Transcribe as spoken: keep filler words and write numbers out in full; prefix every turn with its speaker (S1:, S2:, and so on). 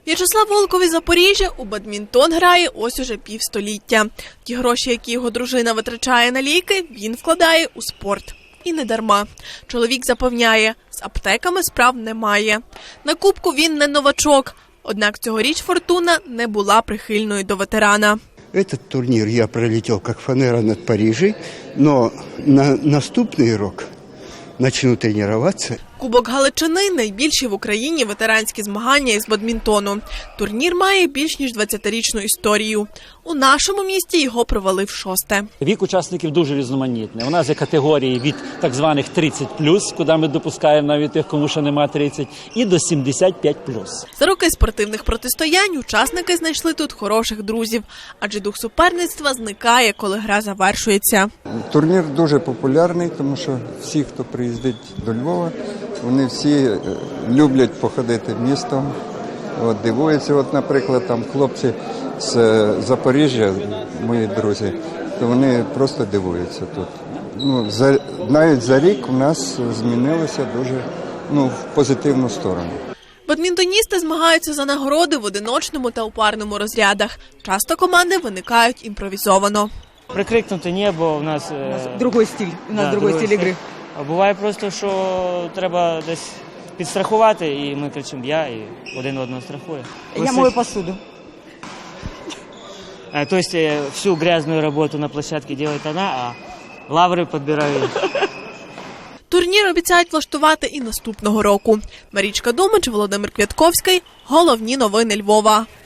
S1: В'ячеслав Волков із Запоріжжя у бадмінтон грає ось уже півстоліття. Ті гроші, які його дружина витрачає на ліки, він вкладає у спорт. І не дарма. Чоловік запевняє, з аптеками справ немає. На кубку він не новачок. Однак цьогоріч «Фортуна» не була прихильною до ветерана.
S2: Этот турнир я пролетел как фанера над Парижем, но на наступный рок начну тренироваться.
S1: Кубок Галичини – найбільші в Україні ветеранські змагання із бадмінтону. Турнір має більш ніж двадцятирічну історію. У нашому місті його провели в шосте.
S3: Вік учасників дуже різноманітний. У нас є категорії від так званих тридцять плюс, куди ми допускаємо навіть тих, кому ще нема тридцять, і до сімдесят п'ять плюс.
S1: За роки спортивних протистоянь учасники знайшли тут хороших друзів, адже дух суперництва зникає, коли гра завершується.
S4: Турнір дуже популярний, тому що всі, хто приїздить до Львова, вони всі люблять походити містом, от, дивуються. От, наприклад, там хлопці з Запоріжжя, мої друзі, то вони просто дивуються тут. Ну, за, навіть за рік у нас змінилося дуже ну, в позитивну сторону.
S1: Бадмінтоністи змагаються за нагороди в одиночному та у парному розрядах. Часто команди виникають імпровізовано.
S5: Прикрикнути небо у нас...
S6: У нас другий стиль, у нас да, другий стиль ігри.
S5: А буває просто, що треба десь підстрахувати, і ми кричимо «я», і один одного страхує.
S6: Я мою посуду.
S5: То есть всю грязную работу на площадке делает она, а лаври підбирають.
S1: Турнір обіцяють влаштувати і наступного року. Марічка Думач, Володимир Квятковський. Головні новини Львова.